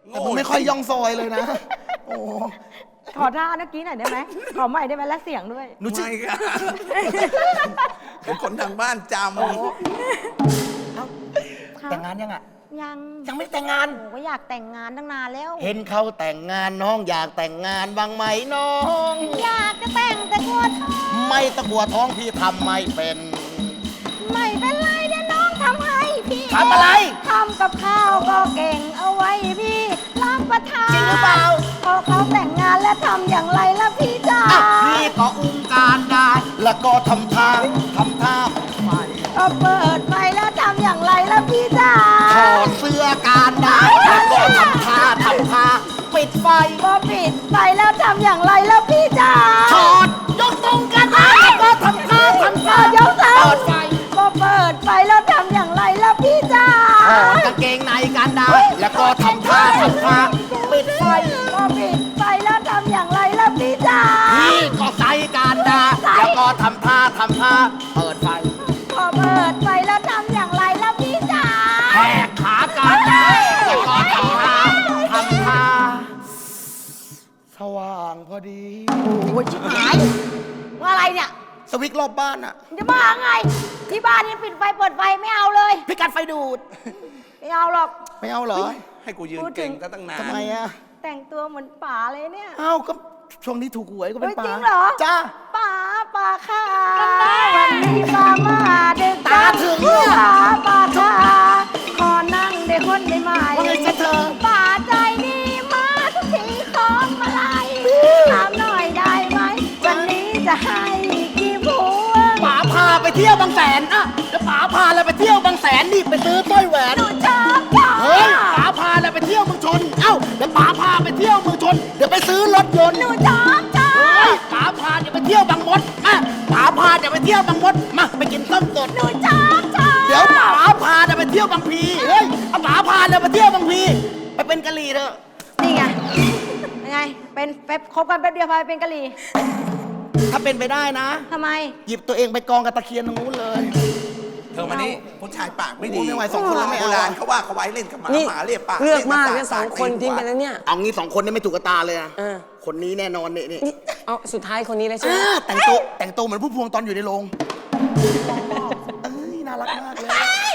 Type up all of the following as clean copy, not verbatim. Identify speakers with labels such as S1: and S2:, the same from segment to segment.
S1: แต่มึงไม่ค่อยย่องซอยเลยนะ โอ้
S2: ขอท่าเมื่อกี้หน่อยได้ไหมขอใหม่ได้ไหมและเสียงด้วย
S1: หนูชื่อ
S3: ไม่ค่ะเป็นคนทางบ้านจ
S1: แต่งงานยังอ่ะ
S2: ยัง
S1: ยังไม่แต่งงาน
S2: โอ้ก็อยากแต่งงานตั้งนานแล้ว
S1: เห็นเขาแต่งงานน้องอยากแต่งงานบ้างไหมน้อง
S2: อยากจะแต่งแต่กลัวท้อง
S1: ไม่ตะกัวท้องพี่ทำไม่เป็น
S2: ไม่เป็นไรเดี๋ยวน้องทำให้พี่
S1: ทำอะไร
S2: ทำกับข้าวก็เก่งเอาไว้พี่รับประทาน
S1: จริงหรือเปล่า
S2: พอเขาแต่งงานแล้วทำอย่างไรล่ะพี่จ๋า
S1: อ่ะพี่ก็อุ้มการได้ แล้วก็ทำท่าไฟ
S2: ก็เปิดไฟแล้วทำอย่างไรล่ะพี่จ๋า
S1: ถอดเสื้อการได้ แล้วก็ทำท่าปิดไฟ
S2: ก็ปิดไฟแล้วทำอย่างไรล่ะพี่จ๋า
S1: ถอดยกตรงกันได้แล้วก็ทำท่า
S2: เดี๋ยวเท้า
S1: เปิดไฟ
S2: ก็เปิดไฟแล้วทำอย่างไรล่ะพี่จ๋า
S1: ถอดกางเกงในกันได้ แล้วก็ทำท่าปิดไฟ
S2: ก็ปิดไฟแล้วทำอย่างไรล่ะพี่จ๋า
S1: พี่ก็ใส่การได้ แล้วก็ทำท่าเปิดไฟ
S2: ก็เปิดไฟแล้วทำอย่างไรล่ะพี่จ๋า
S1: แหกขาการได้ แล้วก็ทำท่าสว่างพอดี
S2: โอ้ยชิบหายว่าอะไรเนี่ย
S1: สวิตช์รอบบ้านอะ
S2: จะบ้าไง ที่บ้านนี่ปิดไฟเปิดไฟไม่เอาเลย
S1: พิกัดไฟดูด
S2: ไม่เอาหรอก
S1: ไม่เอาเหรอ
S3: ำให้กูยืนเก่งซะตั้งนาน
S1: ทำไมอะ
S2: แต่งตัวเหมือนป๋าเลยเนี่ย
S1: เอ้าก็ช่วงนี้ถูกหวยก็เป็น
S2: เฮ้ย
S1: ปลา
S2: จริงเหรอ
S1: จ้า
S2: ป๋าค่ะวันนี้ป๋ามาดึก
S1: ตาถึงเนี่ย
S2: ป๋าค่ะขอนั่งได้คนได้ไหม
S1: ว่าไงจ๊ะเธอ
S2: ป๋าใจดีมาทุกทีของมาลัยถามหน่อยได้ไหมวันนี้จะให้กี่พวง
S1: ป๋าพาไปเที่ยวบางแสนอะเดี๋ยวป๋าพาเราไปเที่ยวบางแสนนี่ไปซื้อสร้อยแหวน
S2: หนูชอบ
S1: เฮ้ยป๋าพาเราไปเที่ยวเมืองชน เอ้าเดี๋ยวป๋าพาไปเที่ยวเมืองชน เดี๋ยวไปซื้อรถยนต์
S2: หนูชอบ
S1: เฮ้ยป๋าพาเดี๋ยวไปเที่ยวบางมดมาป๋าพาเดี๋ยวไปเที่ยวบางมดมาไปกินส้มสด
S2: หนูชอบ
S1: เดี๋ยวป๋าพาเดี๋ยวไปเที่ยวบางพีเฮ้ยเอาป๋าพาเดี๋ยวไปเที่ยวบางพีไปเป็นกะหรี่เถอะ
S2: นี่ไงยังไงเป็นแป๊บคบกันแป๊บเดียวพาไปเป็นกะหรี่
S1: ถ้าเป็นไปได้นะ
S2: ทำไม
S1: หยิบตัวเองไปกองกับตะเคียนตรงนู้นเลย
S3: เธอมานี่ผู้ชายปากไม่ดี
S1: โอ้ไม่ไหวสองคนแล้วไม่เอา
S3: โบราณเขาว่าเขาไว้เล่นกับหมา
S4: นี่
S3: หมาเรียกปาก
S4: เลือกมาก
S3: รี
S4: เนี่ย
S3: ภ
S4: สองคนทิ้งไปแล้วเนี่ย
S1: เอางี้สองคนนี้ไม่ถูกกบตาเลยนะ
S4: เออ
S1: คนนี้แน่นอนนี่
S4: นี่เอาสุดท้ายคนนี้เลยใช่ไหม
S1: แต่งตัวเหมือนผู้พวงตอนอยู่ในโรงเอ้ยน่ารักมากเลย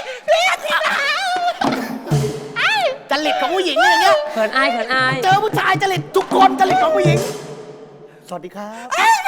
S1: จริตของผู้หญิงอย่างเงี้ย
S4: เขินอายเขินอาย
S1: เจอผู้ชายจริตทุกคนจริตของผู้หญิง สวัสดีครับ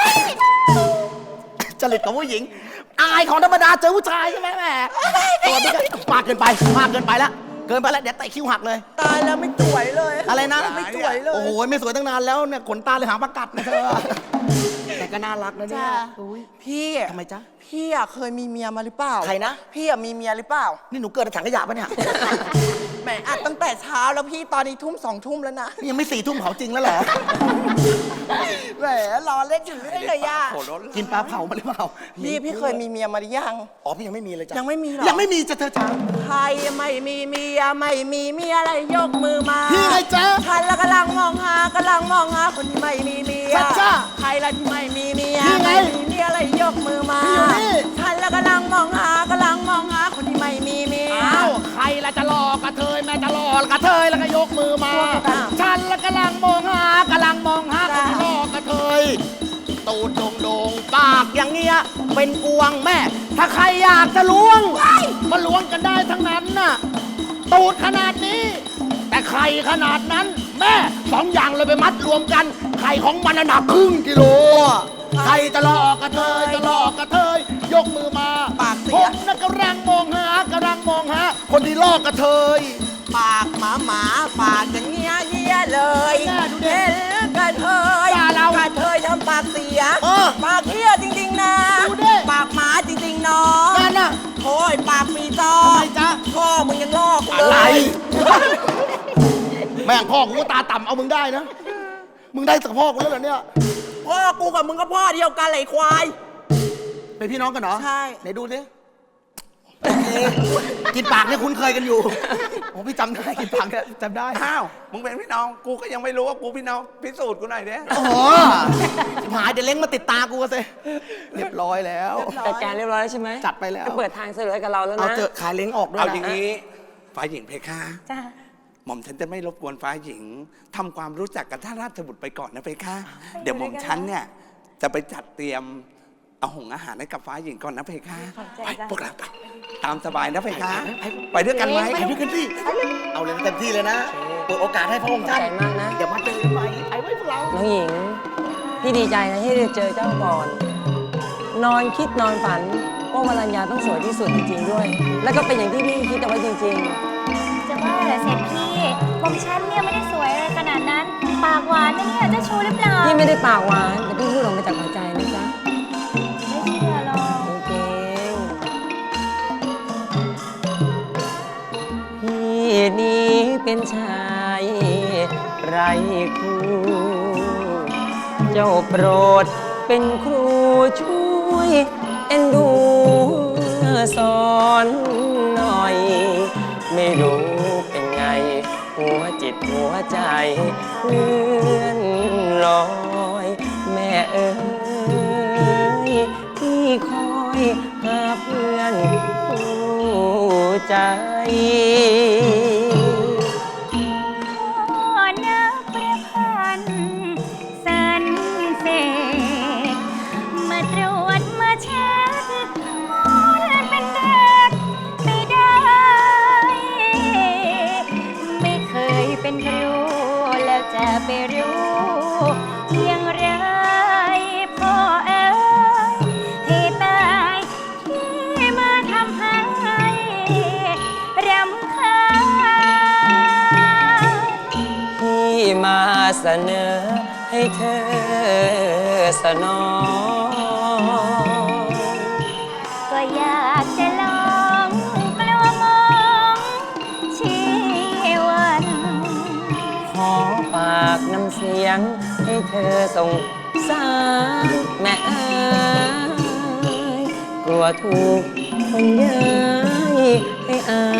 S1: จริตของผู้หญิง อายของธรรมดาเจอผู้ชายใช่ไหมแม่สวัสดีครับมากเกินไปแล้วเกินไปแล้วเดี๋ยวเตะคิ้วหักเลย
S5: ตายแล้วไม่สวยเลย
S1: อะไรนะ
S5: ไม่สวยเลย
S1: โอ้โหไม่สวยตั้งนานแล้วเนี่ยขนตาเลยหางประกัดนะเธอแต่ก็น่ารักนะเนี่ย
S5: จ้า
S1: อุ๊ย
S5: พี่
S1: ทำไมจ๊ะ
S5: พี่อะเคยมีเมียมาหรือเปล่า
S1: ใครนะ
S5: พี่อะมีเมียหรือเปล่า
S1: นี่หนูเกิดในถังขยะปะเนี่ย
S5: แหมอัดตั้งแต่เช้าแล้วพี่ตอนนี้ทุ่ม2 ทุ่มแล้วนะ
S1: นี่ยังไม่4 ทุ่มเผาจริงแล้วเหรอ
S5: แหมรอเล่นอยู่เรื่อยเลยย่า
S3: โหรถ
S1: กินปลาเผามาหรือเปล่า
S5: พี่เคยมีเมียมาหรือยัง
S1: อ๋อพี่ยังไม่มีเลยจ้ะ
S5: ยังไม่มีเหรอ
S1: ยังไม่มีจ้ะเธอจ้า
S5: ใครไม่มีเมียไม่มีเมียอะไรยกมือมา
S1: พี่ไงจ๊ะ
S5: ฉันละกำลังมองหคนที่ไม่มีเมีย
S1: จ้ะ
S5: ใครละที่ไม่มีเมีย
S1: พี่ไง
S5: ไม่มีเมียอะไรยกมือมา
S1: พี่อยู่นี่
S5: ฉันละกำลังมองหคนที่ไม่มีเมีย
S1: อ้าวใครละจะหลอกกระเทยแม่จะหลอกกระเทยแล้วก็ยกมือมา
S5: อ้าว
S1: ฉันละกำลังมองหคนที่หลอกกระเทยตูดโด่งปากอย่างเงี้ยเป็นกวงแม่ ถ้าใครอยากจะล้วงมาล้วงกันได้ทั้งนั้นน่ะตูดขนาดนี้ แต่ไข่ขนาดนั้น แม่2 อย่างเลยไปมัดรวมกันไข่ของมันน่ะหนักครึ่งกิโลอะใครจะหลอกกระเทยยกมือมา
S5: ปากเสี
S1: ผ
S5: ย
S1: มน่ะกำลังมองหาคนที่ลอกกระเทย
S5: ปากหมาปากอย่างเงี้ยเยี่ยเลย
S1: แน่ดูดิ
S5: เห็นกระเทย
S1: ด่าเรา
S5: กระเทยทำปากเสีย
S1: เออ
S5: ปากเหี้ยจริงๆนะ
S1: ดูดิ
S5: ปากหมาจริงๆน้อง
S1: นั่นน่ะ
S5: โอ้ยปากปีจอ
S1: ทำไมจ๊ะ
S5: พ่อมึงยังลอกกู
S1: อะ
S5: เล
S1: ไร
S5: ย
S1: แม่งพ่อกูก็ตาต่ำเอามึงได้นะ มึงได้จากพ่อกูแล้วเหรอเนี่ย
S5: พ่อกูกับมึงก็พ่อเดียวกันเลยควาย
S1: เป็นพี่น้องกันเหรอ
S5: ใช่
S1: ไหนดูสิโอเคกินปากเนี่ยคุ้นเคยกันอยู่โอ้พี่จำได้กินปากเนี่ยจำได้
S3: อ้าวมึงเป็นพี่น้องกูก็ยังไม่รู้ว่ากูพี่น้องพิสูจน์กูหน่อยเด้
S1: โอ้โหหายเดี๋ยวเล้งมาติดตากูสิเรียบร้อยแล้ว
S4: จัดการเรียบร้อยแล้วใช่ไหม
S1: จัดไปแล้ว
S4: เปิดทางเสนอกับเราแล้ว
S1: เอา
S4: นะ
S1: เจอขายเล้งออกด้วย
S3: เอา
S1: นะ
S3: อย่างนี้ฝ่ายหญิงเพคะ
S2: จ้า
S3: หม่อมฉันจะไม่รบกวนฟ้าหญิงทำความรู้จักกับท่านราชบุตรไปก่อนนะเพคะ เดี๋ยวหม่อมฉันเนี่ยจะไปจัดเตรียมอาหารให้กับฟ้าหญิงก่อนนะเพคะ
S2: ขอบใจ
S3: ไป
S2: จ้ะ
S3: พวกเราไปตามสบายนะเพคะ ไปด้วยกันไหม
S1: ไปด้วยกันสิเอาเลยเต็มที่เลยนะเปิดโอกาสให้พระองค์ท่าน
S4: ใจมากนะ
S1: เดี๋ยวมาเจอกันใหม่ไปไว้พวกเรา
S4: น้องหญิง พี่ดีใจนะที่ได้เจอเจ้าก่อน นอนคิดนอนฝันว่ามารัญญาต้องสวยที่สุดจริงๆด้วย แล้วก็เป็นอย่างที่พี่คิดเอาไว้จริง
S2: จะว่าเหรอเสร็จพี่ผมฉันเนี่ยไม่ได้สวยอะไรขนาดนั้น ปากหวานนะเนี่ยเจะชูหรือเปล่า
S4: ๆ พี่ไม่ได้ปากหวานแต่พี่พูดออกมาจากหัวใจนะจ๊ะ
S2: ไม่เชื่อหรอก
S4: จริงๆพี่นี้เป็นชายไรคู่เจ้าโปรดเป็นครูช่วยเอ็นดูสอนหน่อย ไม่รู้เป็นไง หัวจิตหัวใจเลื่อนลอย แม่เอ๋ยพี่คอยหาเพื่อนคู่ใจ
S2: พ่อนักประพันธ์สันเสกมาตรวจมาเช็คเป็นเด็กไม่ได้ ไม่เคยเป็นครูแล้วจะไปรู้อย่างไรพ่อเอ๋ยให้ตายที่มาทำให้รำคาญ
S4: ที่มาเสนอให้เธอสนอง
S2: ก็อยากจะลองกลัวมองชีวัน
S4: ขอฝากน้ำเสียงให้เธอส่งสารแม่เอ๋ยกลัวถูกคนเย้ยให้อาย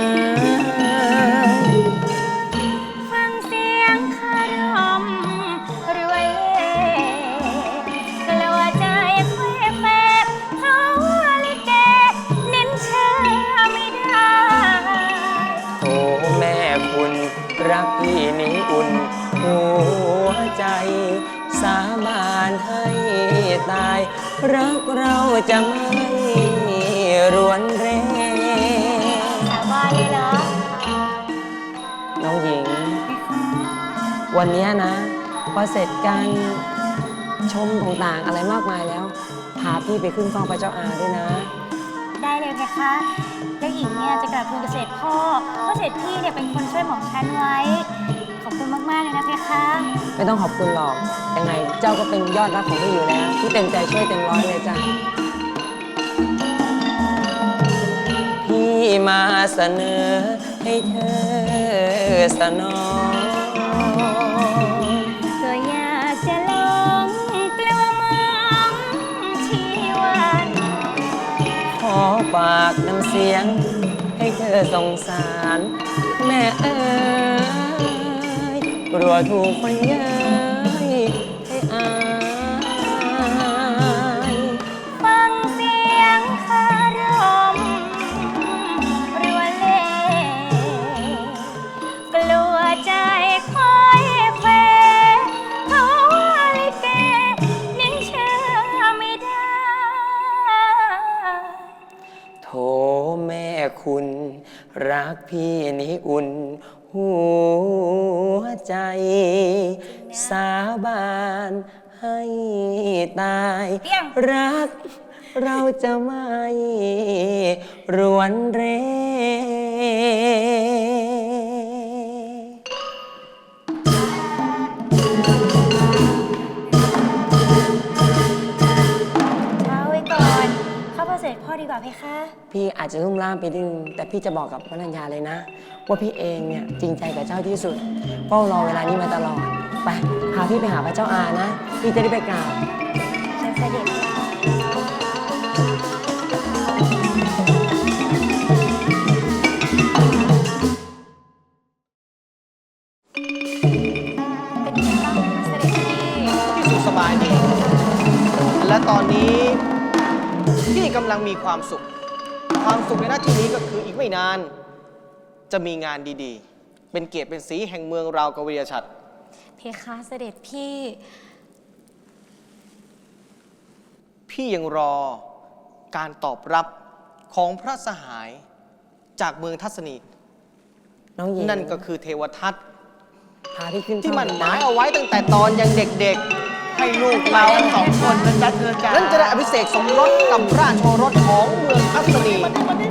S2: ฟังเสียงคารมรวยกลัวใจแควแฝกเขาลิเกเน้นเชื่อไม่ได้
S4: โอ้แม่คุณรักพี่นี้อุ่นหัวใจสาบานให้ตาย รักเราจะไม่รวนเร
S2: สาบานเลยเหรอ
S4: น้องหญิง วันเนี้ยนะพอเสร็จการชมต่างๆอะไรมากมายแล้ว พาพี่ไปขึ้นเฝ้าพระเจ้าอาด้วยนะ
S2: ได้เลยเพคะแล้วหญิงเนี่ยจะกลับทูลเกษตรพ่อเพราะเสร็จพี่เนี่ยเป็นคนช่วยหม่อมฉันไว้ ขอบคุณมากๆเลยนะเพคะ
S4: ไม่ต้องขอบคุณหรอกยังไงเจ้าก็เป็นยอดรักของพี่อยู่แล้วพี่เต็มใจช่วยเต็มร้อยเลยจ้ะพี่มาเสนอให้เธอสนอง
S2: ก็อยากจะลองกลัวมองชีวัน
S4: ขอฝากน้ำเสียงให้เธอสงสาร แม่เอ๋ยกลัวถูกคนเย้ยให้อาย
S2: ฟังเสียงคารมรัวเล่กลัวใจคอยเฟเขาลิเกนิ่งเชื่อไม่ได้
S4: โถแม่คุณรักพี่นี้อุ่นหัวใจ สาบานให้ตาย
S2: เปี้ยง
S4: รักเราจะไม่รวนเร
S2: เช้าไว้ก่อนเข้าพระเสด็จพ่อดีกว่าเพคะ
S4: พี่อาจจะลุ่มล่ามไปนิดนึงแต่พี่จะบอกกับพระนัญญาเลยนะ ว่าพี่เองเนี่ยจริงใจกับเจ้าที่สุดเฝ้ารอเวลานี้มาตลอด ไปพาพี่ไปหาพระเจ้าอานะ พี่จะได้ไปกราบ
S2: เชิญเสด็จ เป็นยังไงบ้างเสด็จพี่
S6: ที่สุขสบายดี และตอนนี้พี่กำลังมีความสุข ความสุขในหน้าที่นี้ก็คืออีกไม่นาน จะมีงานดีเป็นเกียรติเป็นสีแห่งเมืองราวกวีรชัด
S2: เพคะเสด็จพี่
S6: พี่ยังรอการตอบรับของพระสหายจากเมืองทัศนี
S4: น้องหญิง
S6: นั่นก็คือเทวทัต
S4: พาพี่ขึ้น
S6: ที่มันห
S4: เฝ้
S6: มายเอาไว้ตั้งแต่ตอนยังเด็กๆ ให้ลูกเรา
S5: สองคนนะจ๊ะเธอจ้า
S6: นั้นจะได้อภิเษกสมรสกับราชโอรสของเมืองทัศนี
S5: มาดิ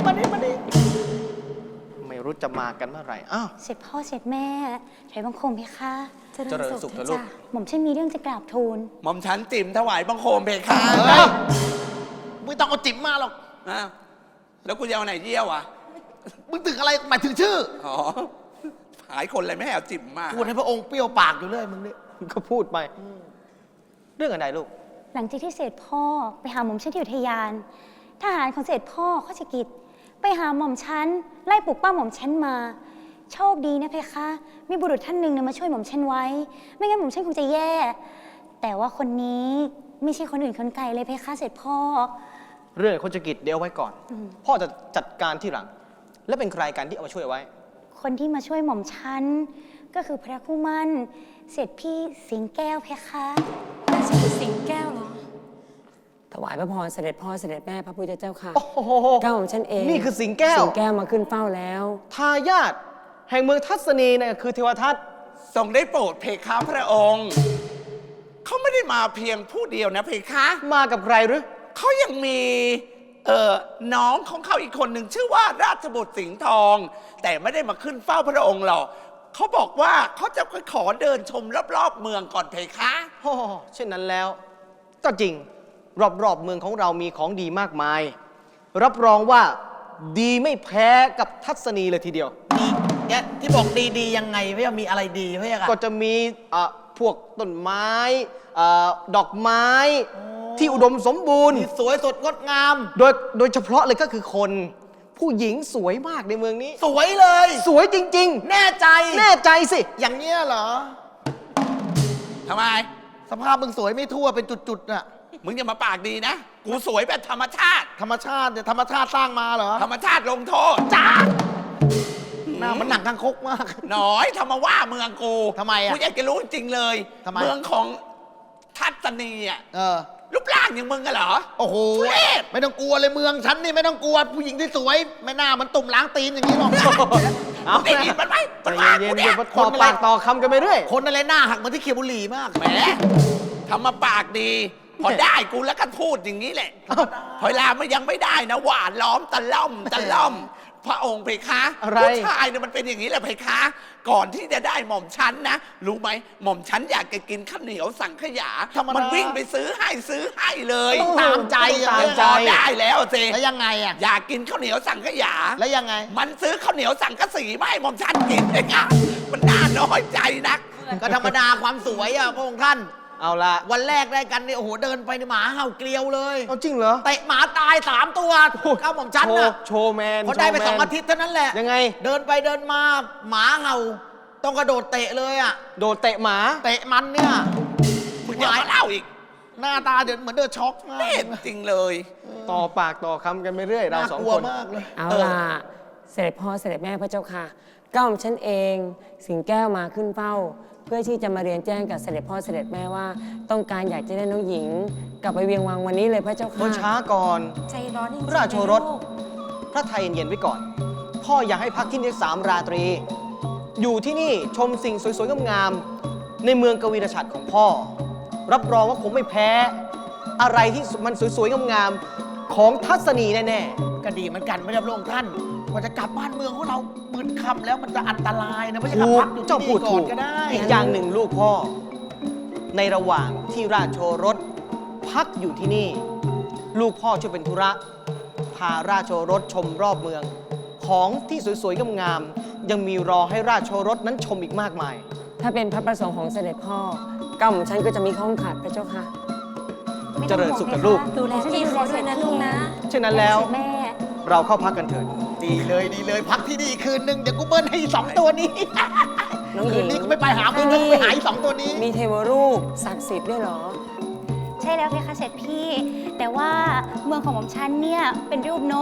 S6: ไม่รู้จะมากันเมื่อไหร่อ้าว
S2: เสร็จพ่อเสร็จแม่ถอยบังคมเพคะ
S6: เจริญสุขเถอะลูก
S2: หม่อมฉันมีเรื่องจะกราบทูล
S3: หม่อมฉันจิ๋มถวายบังคมเพคะ
S5: เฮ้ยไม่ต้องเอาจิ๋มมาหรอก
S3: อ้าวแล้วกูจะเอาไหนเยี่ยวอ่ะ
S5: มึงถึงอะไรหมายถึงชื่อ
S3: อ๋อหายคนเลยไม่ให้เอาจิ๋มมา
S5: พูดให้พระองค์เปรี้ยวปากอยู่เรื่อยมึงนี่
S6: ก็พูดไป เรื่องอะไรลูก
S2: หลังจากที่เสด็จพ่อไปหาหม่อมฉันที่อุทยาน ทหารของเสด็จพ่อข้าชกิจไปหาหม่อมฉันไล่ปลุกป้าหม่อมฉันมา โชคดีนะเพคะ มีบุรุษท่านหนึ่งมาช่วยหม่อมฉันไว้ ไม่งั้นหม่อมฉันคงจะแย่ แต่ว่าคนนี้ไม่ใช่คนอื่นคนไกลเลยเพคะเสด็จพ่อ
S6: เรื่องโคจกิจเดี๋ยวเอาไว้ก่อน พ่อจะจัดการที่หลัง และเป็นใครกันที่เอามาช่วยไว้
S2: คนที่มาช่วยหม่อมฉันก็คือพระคู่มั่นเสด็จพี่สิงแก้วเพคะราชบุตรสิงแก้วเหรอ
S4: ถวายพระพรเสด็จพ่อเสด็จแม่พระพุทธเจ้าค่ะ
S6: โอ้โห
S4: เก้าของฉันเอง
S6: นี่คือสิงแก้ว
S4: สิงแก้วมาขึ้นเฝ้าแล้ว
S6: ทายาทแห่งเมืองทัศนีเนี่ยคือเทวทัต
S3: ทรงได้โปรดเพคะพระองค์ เขาไม่ได้มาเพียงผู้เดียวนะเพคะ
S6: มากับใครหรือ
S3: เขายังมีน้องของเขาอีกคนหนึ่งชื่อว่าราชบุตรสิงห์ทอง แต่ไม่ได้มาขึ้นเฝ้าพระองค์หรอกเขาบอกว่าเขาจะขอเดินชมรอบๆเมืองก่อนเพคะ
S6: โอ้เช่นนั้นแล้ว ก็จริงรอบๆเมืองของเรามีของดีมากมาย รับรองว่าดีไม่แพ้กับทัศนีเลยทีเดียว
S5: ดีเนี่ยที่บอกดีๆยังไงพี่มีอะไรดีพี่อะ
S6: ก็จะมีพวกต้นไม้ดอกไม้ ที่อุดมสมบูรณ์
S5: ที่สวยสดงดงาม
S6: โดยเฉพาะเลยก็คือคน ผู้หญิงสวยมากในเมืองนี้
S5: สวยเลย
S6: สวยจริง
S5: แน่ใจ
S6: ๆ แน่ใจสิ
S5: อย่างเนี้ยเหรอ
S3: ทำไม
S5: สภาพมึงสวยไม่ทั่วเป็นจุดๆน่ะ
S3: มึงอย่ามาปากดีนะ กูสวยแบบธรรมชาติ
S5: ธรรมชาติเนี่ยธรรมชาติสร้างมาเหรอ
S3: ธรรมชาติลงโทษ
S5: จ้าหน้ามันหนังกังคกมาก
S3: หน่อยทำมาว่าเมืองกู
S5: ทำไมอะ
S3: กูอยากจะรู้จริงๆเลย
S5: ทำไม
S3: เมืองของทัศนีอ่ะ รูปร่างอย่างมึงกันเหรอ
S5: โอ้โห
S3: ทุเรศ
S5: ไม่ต้องกลัวเลยเมืองฉันนี่ไม่ต้องกลัวผู้หญิงที่สวย ไม่น่ามันตุ่มล้างตีนอย่างนี้หรอก
S6: เอา
S3: มึงได้ยินมันไหม
S6: ใจ
S3: มันว่า
S6: เย็
S3: กู
S6: นๆ
S3: เนี่
S6: เดี๋
S3: ย
S6: ยวมาต่อปากต่อคำกันไปเรื่อย
S5: คนอะไรหน้าหักเหมือนที่เคียวบุหรี่มาก
S3: แหมทำมาปากดี พอได้กูแล้วก็พูดอย่างนี้แหละพอเวลามันยังไม่ได้นะ หวานล้อมตะล่อมตะล่อม พระองค์เพคะ
S6: อะไร
S3: ผู้ชายเนี่ยมันเป็นอย่างนี้แหละเพคะ ก่อนที่จะได้หม่อมชั้นนะ รู้ไหมหม่อมชั้นอยากจะกินข้าวเหนียวสังขยา
S5: ธรรมดามั
S3: มันวิ่งไปซื้อให้เลย
S5: ต้องตามใจ
S6: ตามใจ
S3: พอได้แล้วสิ
S5: แล้วยังไงอ่ะ
S3: อยากกินข้าวเหนียวสังขยา
S5: แล้วยังไง
S3: มันซื้อข้าวเหนียวสังกะสีมาให้หม่อมชั้นกินเพคะ มันน่าน้อยใจนัก
S5: ก็ธรรมดาความสวยอ่ะพระองค์ท่าน
S6: เอาละ
S5: วันแรกได้กันเนี่ยโอ้โหเดินไปในหมาเห่าเกลียวเลย
S6: เอาจริงเหรอ
S5: เตะหมาตาย3 ตัวก้าวหม่อมชันน่ะ
S6: โชว์แมน
S5: พอได้ไป
S6: โชว์แมน
S5: 2 อาทิตย์เท่านั้นแหละ
S6: ยังไง
S5: เดินไปเดินมาหมาเห่า ต้องกระโดดเตะเลยอ่ะ
S6: โดดเตะหมา
S5: เตะมันเนี่ย
S3: มึงจะมาเล่าอีก
S5: หน้าตาเดินเหมือนเดินช็อกมาก
S3: เล่นจริงเลย
S6: ต่อปากต่อคำกันไปเรื่อยเรา
S5: น่า
S6: สอง
S5: กลัว
S6: คน
S5: มากเลย
S4: เอาล่ะ เสด็จพ่อเสด็จแม่พระเจ้าค่ะเก้าของฉันเองสิงแก้วมาขึ้นเฝ้า เพื่อที่จะมาเรียนแจ้งกับเสด็จพ่อเสด็จแม่ว่า ต้องการอยากจะได้น้องหญิง กลับไปเวียงวังวันนี้เลยพระเจ้า
S6: เมื่
S4: ค่ะ
S6: อช้าก่อน
S2: ใจร้อนจริงๆ
S6: ราชโอรส
S2: นะลูก
S6: พระไทยเย็นๆไว้ก่อน พ่ออยากให้พักที่นี่3 ราตรี อยู่ที่นี่ชมสิ่งสวยๆงามๆในเมืองกวีรชัดของพ่อ รับรองว่าคงไม่แพ้ อะไรที่มันสวยๆงามๆของทัศนีแน่
S5: ก็ดีเหมือนกันไม่ได้พระองค์ท่านกว่าจะกลับบ้านเมืองของเรามืดค่ำแล้วมันจะอันตรายนะไม่
S6: ๆ
S5: ใช่กลับ
S6: ถูก
S5: พักอยู่
S6: เจ้า
S5: ที่
S6: พู
S5: นี่
S6: ด
S5: ก่อ
S6: ถู
S5: น
S6: ก
S5: ก็ได้
S6: อีกอย่างหนึ่งลูกพ่อ ในระหว่างที่ราชโอรสพักอยู่ที่นี่ ลูกพ่อช่วยเป็นธุระ พาราชโอรสชมรอบเมือง ของที่สวยๆงามๆยังมีรอให้ราชโอรสนั้นชมอีกมากมาย
S4: ถ้าเป็นพระประสงค์ของเสด็จพ่อเก้าของฉันก็จะมีข้องขัดพระเจ้าค่ะ
S2: ไม่
S6: เจ
S2: ต้อง
S6: ริญ
S2: ห่วง
S6: สุขกับ
S2: เพคะ
S6: ลูก
S2: ดูแลพี่เขาด้วยนะลูกนะ
S6: เช่นนั้นแล้ว
S2: แม่
S6: เราเข้าพักกันเถิด
S5: ดีเลยพักที่นี่คืนนึงเดี๋ยวกูเบิ้ลให้อีก2 ตัวนี้
S4: น้องหญิ
S5: คื
S4: ง
S5: นนี้กูไม่ไปหามึงแล้วกูไปหาอีก2 ตัวนี้
S4: มีเทวรูปศักดิ์สิทธิ์ด้วยเหรอ
S2: ใช่แล้วเพคะเสร็จพี่ แต่ว่าเมืองของหม่อมฉันเนี่ยเป็นรูปนก ท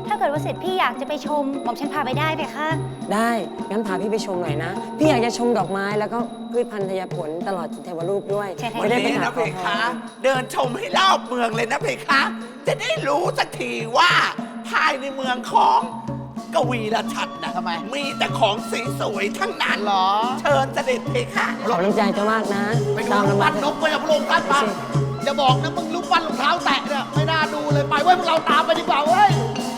S2: ถ้าเกิดว่าเสร็จพี่อยากจะไปชมหม่อมฉันพาไปได้เพคะ
S4: ได้ งั้นพาพี่ไปชมหน่อยนะ พี่อยากจะชมดอกไม้แล้วก็พืชพันธุ์ธัญผลตลอดจนเทวรูปด้วย
S2: ใช่ค่ะ
S3: วัน
S4: จะได้ไป
S3: นี้
S4: หา
S3: นะ
S4: ข
S3: เพ
S4: อพ
S3: คะ
S4: ร
S3: เดินชมให้รอบเมืองเลยนะเพคะ จะได้รู้สักทีว่าภายในเมืองของกวีรชัดนะ
S5: ทำไม
S3: มีแต่ของสีสวยทั้งนั้น
S5: เหรอ
S3: เชิญเสด็จเพคะ
S4: ขอบน้ำใจเจ้ามากนะ
S5: ไปดู
S4: ตาม
S5: รูป
S4: ลำ
S5: ปั้
S4: บาน
S5: นกไปกับพระองค์ท่านมาอย่าบอกนะมึงรูปปั้นรองเท้าแตะเนี่ยไม่น่าดูเลยไปเว้ยพวกเราตามไปดีกว่าเว้ย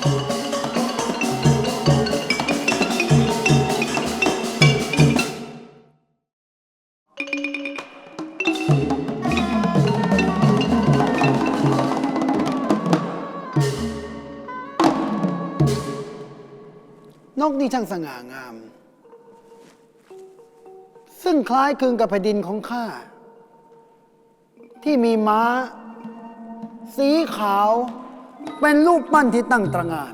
S7: นกนี่ช่างสง่างาม ซึ่งคล้ายคลึงกับแผ่นดินของข้า ที่มีม้า สีขาว เป็นรูปปั้นที่ตั้งตระหง่าน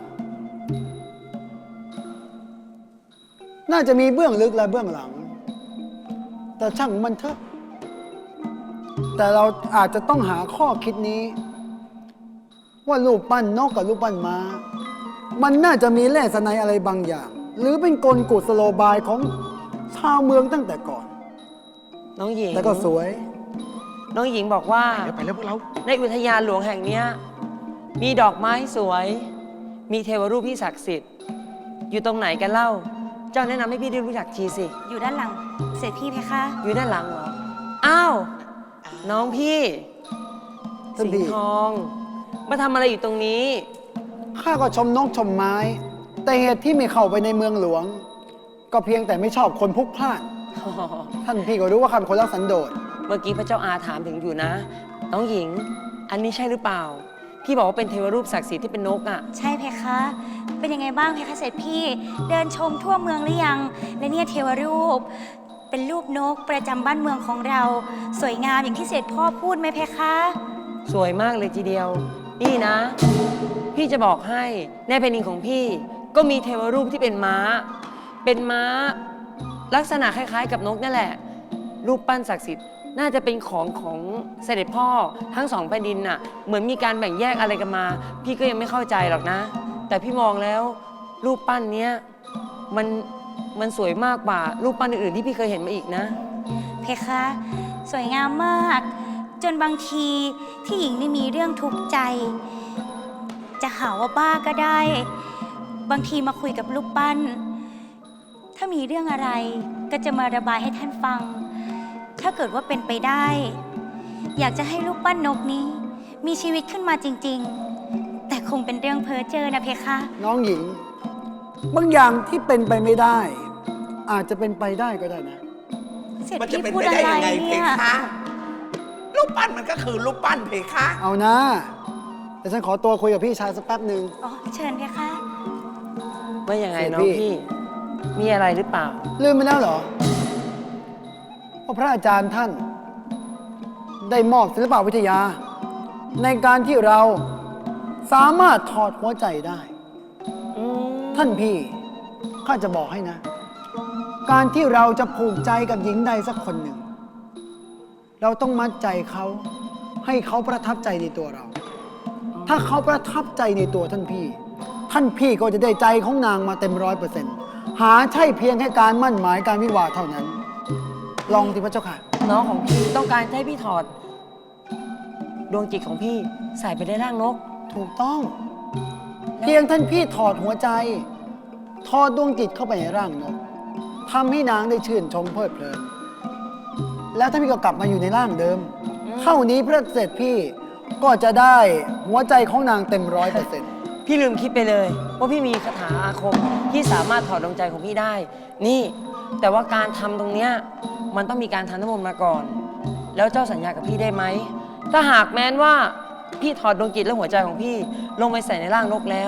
S7: น่าจะมีเบื้องลึกและเบื้องหลัง แต่ช่างมันเถอะ แต่เราอาจจะต้องหาข้อคิดนี้ ว่ารูปปั้นนกกับรูปปั้นม้า มันน่าจะมีแร่สนัยอะไรบางอย่าง หรือเป็นกลกุศโลบายของชาวเมืองตั้งแต่ก่อน
S4: น้องหญิง
S7: แต่ก็สวย
S4: น้องหญิงบอกว่า
S5: ไปแล้วพวกเรา
S4: ในอุทยานหลวงแห่งเนี้ยมีดอกไม้สวย มีเทวรูปที่ศักดิ์สิทธิ์ อยู่ตรงไหนกันเล่า เจ้าแนะนำให้พี่ได้รู้จักทีสิ
S2: อยู่ด้านหลังเสร็จพี่เพคะ
S4: อยู่ด้านหลังเหรอ อ้าว น้องพี่
S7: ท่าน
S4: สิง
S7: พี่
S4: ห์ทอง มาทำอะไรอยู่ตรงนี้
S7: ข้าก็ชมนกชมไม้ แต่เหตุที่ไม่เข้าไปในเมืองหลวง ก็เพียงแต่ไม่ชอบคนพลุกพล่าน ท่านพี่ก็รู้ว่าข้าเป็นคนรักสันโดษ
S4: เมื่อกี้พระเจ้าอาถามถึงอยู่นะ น้องหญิง อันนี้ใช่หรือเปล่า พี่บอกว่าเป็นเทวรูปศักดิ์สิทธิ์ที่เป็นนกอ่ะ
S2: ใช่เพคะ เป็นยังไงบ้างเพคะเสร็จพี่ เดินชมทั่วเมืองหรือยัง และเนี่ยเทวรูป เป็นรูปนกประจำบ้านเมืองของเรา สวยงามอย่างที่เสร็จพ่อพูดไหมเพคะ
S4: สวยมากเลยทีเดียว นี่นะ พี่จะบอกให้ในแผ่นดินของพี่ ก็มีเทวรูปที่เป็นม้า เป็นม้า ลักษณะคล้ายๆ กับนกนั่นแหละ รูปปั้นศักดิ์สิทธิ์น่าจะเป็นของเสด็จพ่อทั้งสองแผ่นดินน่ะ เหมือนมีการแบ่งแยกอะไรกันมา พี่ก็ยังไม่เข้าใจหรอกนะ แต่พี่มองแล้วรูปปั้นเนี้ยมันสวยมากกว่ารูปปั้นอื่นๆที่พี่เคยเห็นมาอีกนะ
S2: เพคะ สวยงามมาก จนบางทีที่หญิงนี่มีเรื่องทุกข์ใจ จะหาว่าบ้าก็ได้ บางทีมาคุยกับลูกปั้น ถ้ามีเรื่องอะไรก็จะมาระบายให้ท่านฟัง ถ้าเกิดว่าเป็นไปได้ อยากจะให้ลูกปั้นนกนี้ มีชีวิตขึ้นมาจริง ๆ แต่คงเป็นเรื่องเพ้อเจ้อนะเพคะ
S7: น้องหญิง บางอย่างที่เป็นไปไม่ได้ อาจจะเป็นไปได้ก็ได้นะ
S2: เสร็จ
S3: มันจะ
S2: พี่
S3: เป็น
S2: พูด
S3: ไป
S2: อะ
S3: ได้
S2: ไร
S3: ยังไงเพ
S2: เนี่ย
S3: คะ รูปปั้นมันก็คือรูปปั้นเพคะ
S7: เอานะแต่ฉันขอตัวคุยกับพี่ชายสักแป๊บหนึ่ง
S2: อ๋อเชิญเพคะ
S4: ว่ายังไง
S7: เสด็จ
S4: น้อง
S7: พี่
S4: พี่ มีอะไรหรือเปล่า
S7: ลืมไปแล้วเหรอว่าพระอาจารย์ท่าน ได้มอบศิลปวิทยา ในการที่เราสามารถถอดหัวใจได้ ท่านพี่ข้าจะบอกให้นะ การที่เราจะผูกใจกับหญิงใดสักคนหนึ่ง เราต้องมัดใจเขาให้เขาประทับใจในตัวเรา ถ้าเขาประทับใจในตัวท่านพี่ ท่านพี่ก็จะได้ใจของนางมาเต็ม100%หาใช่เพียงแค่การมั่นหมายการวิวาห์เท่านั้น ลองสิพระเจ้าค่ะ
S4: น้องของพี่ต้องการให้พี่ถอด ดวงจิตของพี่ใส่ไปในร่างนก
S7: ถูกต้อง เพียงท่านพี่ถอดหัวใจ ถอดดวงจิตเข้าไปในร่างนกทำให้นางได้ชื่นชมเพลิดเพลิน แล้วท่านพี่ก็กลับมาอยู่ในร่างเดิม เท่านี้พระเสด็จพี่ก็จะได้หัวใจของนางเต็ม100%
S4: พี่ลืมคิดไปเลยว่าพี่มีคาถาอาคมที่สามารถถอดดวงใจของพี่ได้ นี่ แต่ว่าการทำตรงเนี้ยมันต้องมีการทำน้ำมนต์มาก่อน แล้วเจ้าสัญญากับพี่ได้ไหม ถ้าหากแม้นว่าพี่ถอดดวงจิตและหัวใจของพี่ลงไปใส่ในร่างนกแล้ว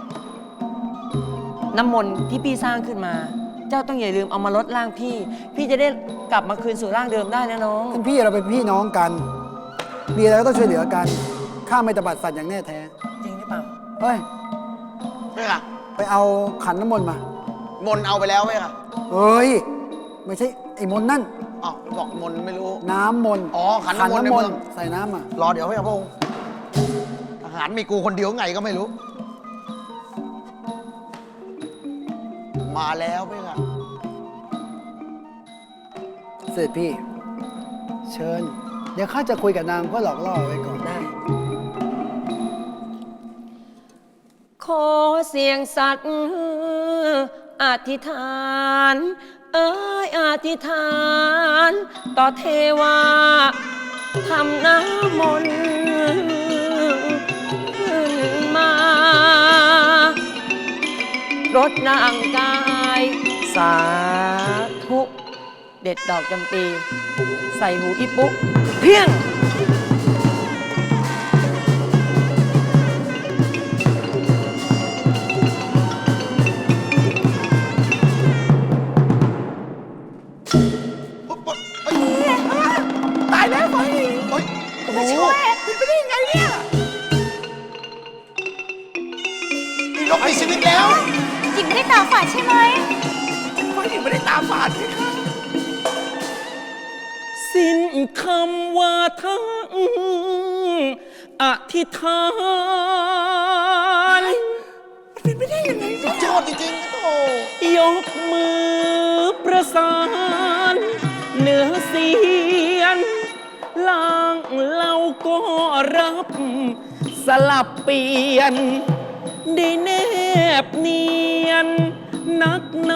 S4: น้ำมนต์ที่พี่สร้างขึ้นมา เจ้าต้องอย่าลืมเอามาลดร่างพี่ พี่จะได้กลับมาคืนสู่ร่างเดิมได้นะน้อง
S7: ท่านพี่เราเป็นพี่น้องกัน มีอะไรก็ต้องช่วยเหลือกัน ข้าไม่ตบัดสัตว์อย่างแน่แท้
S4: จริงหรือเปล่า
S7: เฮ้ย
S5: ไม่ค่ะ
S7: ไปเอาขันน้ำมนต์มา
S5: มนต์เอาไปแล้วไหมค่ะ
S7: เฮ้ย ไม่ใช่ไอ้มนต์นั่น
S5: อ๋อบอกมนต์ไม่รู้
S7: น้ำมนต์
S5: อ๋อขันน้ำมนต์ในเมือง
S7: ใส่น้ำอ่ะ
S5: รอเดี๋ยวพระองค์ทหารมีกูคนเดียวไงก็ไม่รู้มาแล้วไหมล่ะ
S7: เสด็จพี่ เชิญ เดี๋ยวข้าจะคุยกับนางเพื่อหลอกล่อไว้ก่อนได้
S4: ขอเสียงสัตว์อธิษฐาน อธิษฐาน ต่อเทวาทำน้ำมนต์ขึ้นมารดนางกาย สาธุ เด็ดดอกจำปี ใส่หูอีปุ๊เพียง
S3: ตายแล้วไฟเฮ้ย
S2: ช่วย
S3: เป็นไปได้ยังไงเนี่ย
S5: มีนกมีชีวิตแล้ว
S2: หญิงไม่ได้ตาฝาดใช่ไหม
S3: ไฟยังไม่ได้ตาฝาดเลยค่ะ
S4: สิ้นคำว่าทั้งอธิษฐาน
S3: เป็นไปได้ยังไง
S5: สุดยอดจริงๆโอ้
S4: ยกมือประสานเหนือเสียนล่างเราก็รับ สลับเปลี่ยน ได้แนบเนียนนักหนา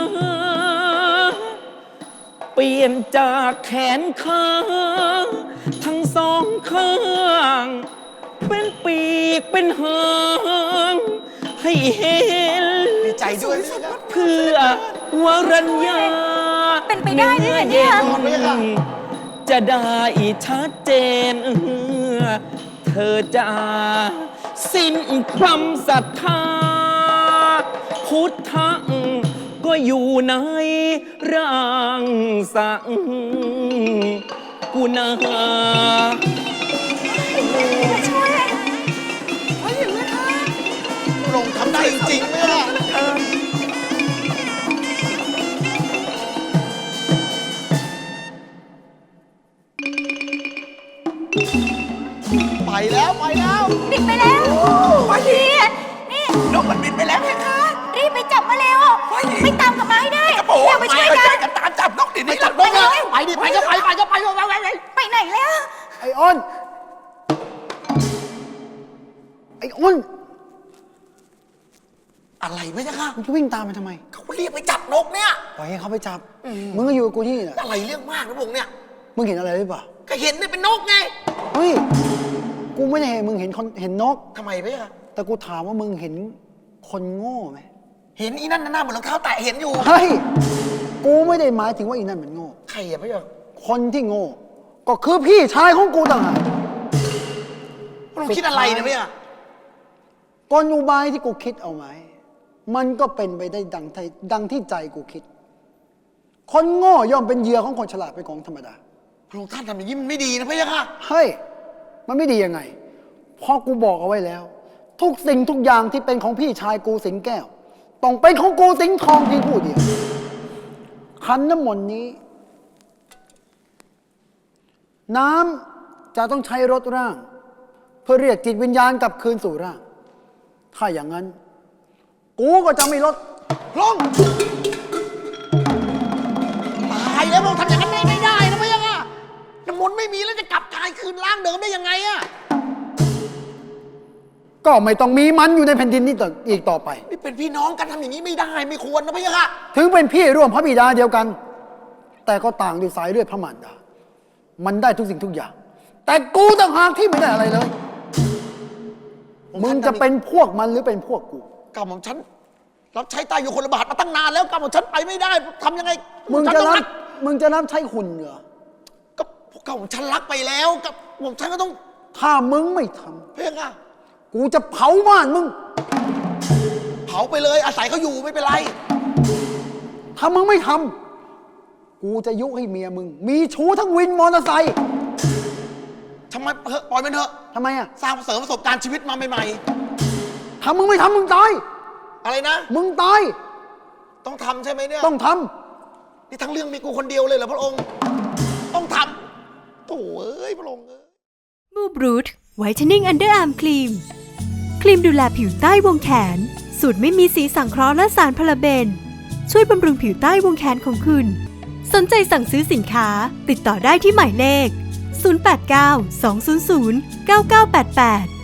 S4: เปลี่ยนจากแขนขาทั้งสองข้าง เป็นปีกเป็นหางให้เห็น
S5: ดีใจด้วยนะ
S4: เพื่อวรัญญา
S2: เป็นไปได้ด้วยเหรอเนี่ย
S4: จะได้ชัดเจนเธอจะสิ้นความศรัทธา พุทธะก็อยู่ในร่างสังกุณา
S2: ช่วย
S5: ลงทำได้จริงๆไหมล่ะไปแล้วไปแล้ว
S2: บินไปแล้วพี่นี่
S3: นกมันบินไปแล้วไงคะ
S2: รีบไปจับมาเร็วไม่ตามกลับมาให้ได้
S3: กระโปรง
S2: เร็วไปช่วยกัน
S3: กันตามจับนกดิ
S5: ไปจับนกเลยไปดิไปก็ไปไปก็ไปไปไปไป
S2: ไปไหนแล้ว
S7: ไอ้อ้น ไอ้อ้น
S5: อะไรไม่ใช่ค่ะ
S7: มึงจะวิ่งตามไปทำไม
S5: เขาเรียกไปจับนกเนี่ย
S7: ปล่อยให้เขาไปจับ มึงก็อยู่กับกูที่นี่แหละ
S5: อะไรเรื่องมากนะพงษ์เนี่ย
S7: มึงเห็นอะไรหรือเปล่า
S5: ก็เห็นเนี่ยเป็นนกไง
S7: เฮ้ย กูไม่ได้เห็นมึงเห็นคนเห็นนก
S5: ทำไมไม่ใช่ค่ะ
S7: แต่กูถามว่ามึงเห็นคนโง่ไหม
S5: เห็นอีนั่นหน้าเหมือนรองเท้าแตะเห็นอยู่
S7: เฮ้ย กูไม่ได้หมายถึงว่าอีนั่นมันโง่
S5: ใครอะไม่ใช่
S7: คนที่โง่ ก็คือพี่ชายของกูต่างหาก
S5: เราคิดอะไรเนี่ยไม่ใช่
S7: กลอุบายที่กูคิดเอาไว้ มันก็เป็นไปได้ดังที่ใจกูคิด คนโง่ย่อมเป็นเหยื่อของคนฉลาดเป็นของธรรมดา
S5: พระองค์ท่านทำอย่างนี้มันไม่ดีนะพี่ค่ะ
S7: เฮ้ย มันไม่ดียังไง เพราะกูบอกเอาไว้แล้ว ทุกสิ่งทุกอย่างที่เป็นของพี่ชายกูสิงแก้ว ต้องเป็นของกูสิงทองเพียงผู้เดียว ขันน้ำมนต์นี้ น้ำจะต้องใช้รถร่าง เพื่อเรียกจิตวิญญาณกลับคืนสู่ร่าง ถ้าอย่างนั้น กูก็จะไม่ลด
S5: ลงตายแล้วพระองค์ทำอย่างนั้นไม่ได้นะพี่ค่ะน้ำมนต์ไม่มีแล้วจะกลับกายคืนร่างเดิมได้ยังไงอะ
S7: ก็ไม่ต้องมีมันอยู่ในแผ่นดินนี้ต่ออีกต่อไป
S5: นี่เป็นพี่น้องกันทำอย่างนี้ไม่ได้ไม่ควรนะพี่ค่ะ
S7: ถึงเป็นพี่ร่วมพระบิดาเดียวกัน แต่ก็ต่างด้วยสายเลือดพระมารดา มันได้ทุกสิ่งทุกอย่าง แต่กูต่างหากที่ไม่ได้อะไรเลย มึงจะเป็นพวกมันหรือเป็นพวกกู
S5: กรรมของฉันรับใช้ตายอยู่คนละบาทมาตั้งนานแล้วกรรมของฉันไปไม่ได้ทำยังไง
S7: มึง
S5: ฉัน
S7: จะ
S5: ต้อง
S7: รั
S5: รับ
S7: มึงจะรับใช้หุ่นเหรอ
S5: ก็กรรมของฉันรักไปแล้วกับผมฉันก็ต้อง
S7: ถ้ามึงไม่ท
S5: พี่ค่ะ
S7: ำกูจะเผาบ้านมึง
S5: เผาไปเลยอาศัยเขาอยู่ไม่เป็นไร
S7: ถ้ามึงไม่ทำกูจะยุให้เมียมึง มีชู้ทั้งวินมอเตอร์ไซค์
S5: ทำไมปล่อยมันเถอะ
S7: ทำไมอ่ะ
S5: สร้างเสริมประสบการณ์ชีวิตมาใหม่
S7: ถ้ามึงไม่ทำมึงตาย
S5: ๆอะไรนะ
S7: มึงตาย
S5: ต้องทำใช่ไหมเนี่ย
S7: ต้องท
S5: นี่ทั้งเรื่องมีกูคนเดียวเลยเหรอพระองค์ ต้องทำโถ่เอ้ยพระองค์เอ้ย
S8: มูบรูทไวท์เทนนิ่งอันเดอร์อาร์มครีม ครีมดูแลผิวใต้วงแขน สูตรไม่มีสีสังเคราะห์และสารพาราเบนช่วยบำรุงผิวใต้วงแขนของคุณ สนใจสั่งซื้อสินค้าติดต่อได้ที่หมายเลข 089 200 9988